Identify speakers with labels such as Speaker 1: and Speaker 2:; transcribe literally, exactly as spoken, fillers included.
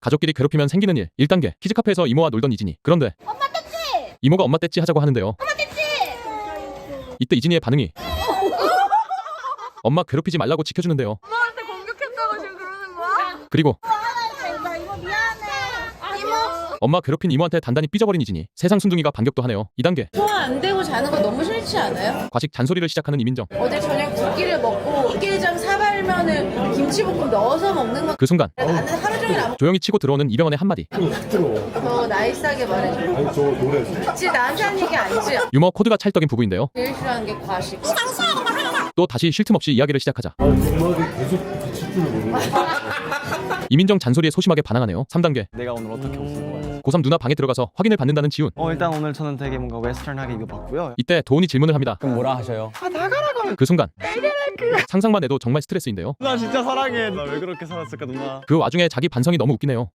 Speaker 1: 가족끼리 괴롭히면 생기는 일. 일 단계 키즈카페에서 이모와 놀던 이진이. 그런데
Speaker 2: 엄마 뗐지?
Speaker 1: 이모가 엄마 떼찌 하자고 하는데요.
Speaker 2: 엄마 뗐지?
Speaker 1: 이때 이진이의 반응이 엄마 괴롭히지 말라고 지켜주는데요.
Speaker 2: 엄마한테 공격했다고 지금 그러는 거야?
Speaker 1: 그리고
Speaker 2: 나 이모 미안해. 이모.
Speaker 1: 엄마 괴롭힌 이모한테 단단히 삐져버린 이진이. 세상 순둥이가 반격도 하네요. 이 단계
Speaker 3: 소화 안 되고 자는 거 너무 싫지 않아요?
Speaker 1: 과식 잔소리를 시작하는 이민정.
Speaker 3: 어제 저녁 두 끼를 먹고 육개장 사발면을 김치볶음 넣어서 먹는 거.
Speaker 1: 그 순간
Speaker 3: 나는 하루 종일 안
Speaker 1: 조용히 치고 들어오는 이병헌의 한마디.
Speaker 3: 먹어. 더 나이스하게 말해줘.
Speaker 4: 아니 저 노래
Speaker 3: 그치 나한테 한 얘기 아니지?
Speaker 1: 유머 코드가 찰떡인 부부인데요.
Speaker 3: 제일 싫어하는 게 과식.
Speaker 1: 또 다시 쉴 틈 없이 이야기를 시작하자
Speaker 4: 음악이 계속 붙일 줄 모르는
Speaker 1: 이민정 잔소리에 소심하게 반항하네요. 삼 단계
Speaker 5: 내가 오늘 어떻게 옷을 입어야
Speaker 1: 고삼 누나 방에 들어가서 확인을 받는다는 지훈.
Speaker 5: 어 일단 오늘 저는 되게 뭔가 웨스턴하게 입어봤고요.
Speaker 1: 이때 도훈이 질문을 합니다.
Speaker 5: 그럼 뭐라 하셔요?
Speaker 1: 그 순간 상상만 해도 정말 스트레스인데요.
Speaker 5: 나 진짜 사랑해. 나 왜 그렇게 살았을까 누나.
Speaker 1: 그 와중에 자기 반성이 너무 웃기네요.